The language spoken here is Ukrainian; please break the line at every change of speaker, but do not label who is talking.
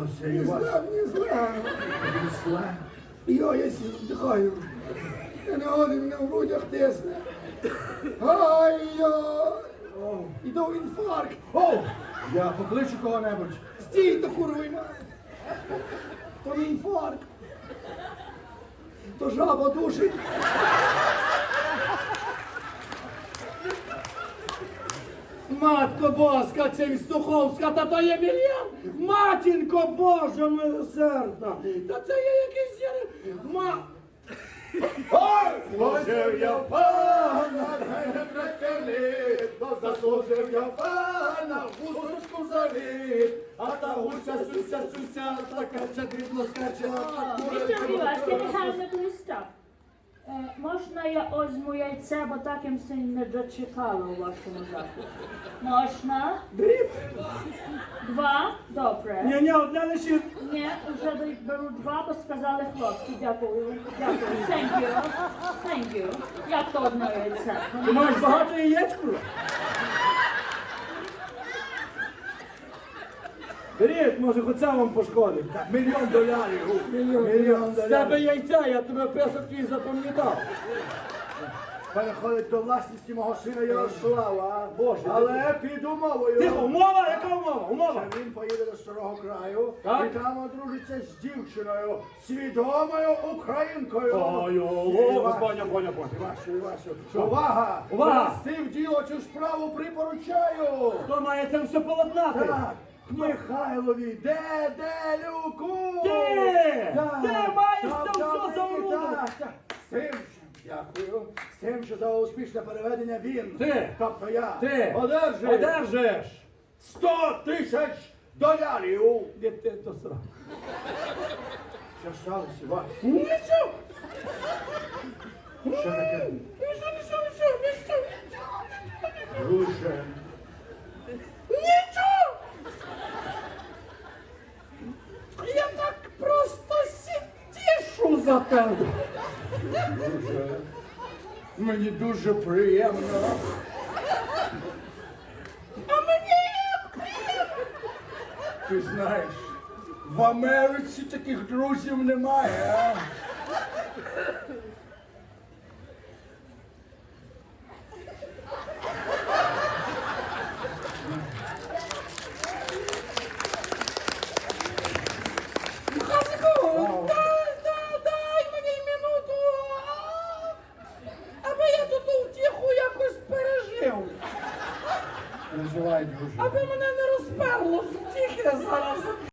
сталося,
Не
Іван?
зле, не зле.
Зле.
Йо, я вдихаю. Я не годин, мене в грудях тисне. Ай-йо! Іду в інфаркт.
О! Я покличу кого-небудь.
Стійте, курва, мать. То не інфаркт. То жаба душить.
Матко Боска, Цимстуховська, та то є мільйон! Матінко Божа милосердна! Та це є якийсь...
Ой! Служив я пана, не трекелі, то заслужив я пана, гусочку заліт, а та гуся, суся, така дрібно скаче, а та
Mr. Vilas, can you have me please stop? Можна я озьму яйце, бо так їм се не дочекало у вашому закладі? Можна?
Дріб?
Два? Добре.
Ні, одне лише...
Ні, вже беру два, бо сказали хлопці. Дякую. Дякую. Thank you. Thank you. Як то одне яйце?
Ти маєш багато яєць, курва? Беріть, може, хоч сам вам пошкодить.
$1 мільйон.
З тебе яйця, я тебе песок твій запам'ятав.
Переходить до власності мого сина Ярослава.
Боже,
Але під умовою.
Тихо, умова? Яка умова? Умова?
Що він поїде до старого краю
Так.
і там одружиться з дівчиною, свідомою українкою.
Ой,
Іван,
поня.
Івашу. Увага!
Увага!
Я в діло цю справу припоручаю.
Хто має це все полотнати?
Так, Михайлові Деделюку!
Ти!
Так,
Ти маєш
так,
це
так,
все заорудити!
так. З тим, дякую, з тим, що за успішне переведення він,
Ти!
тобто я,
Ти!
одержиш $100,000!
Де ти то сра?
Що сталося, Вась?
Нічого!
Що таке?
Нічого!
Друже,
Нічого! Я так просто сітішу за тебе.
друже, мені дуже приємно.
А мені як приємно.
Ти знаєш, в Америці таких друзів немає, а?
Хазику, дай мені минуту, аби я тут утіху якось пережив.
Називай, друже.
Аби мене не розперло з утіхи зараз.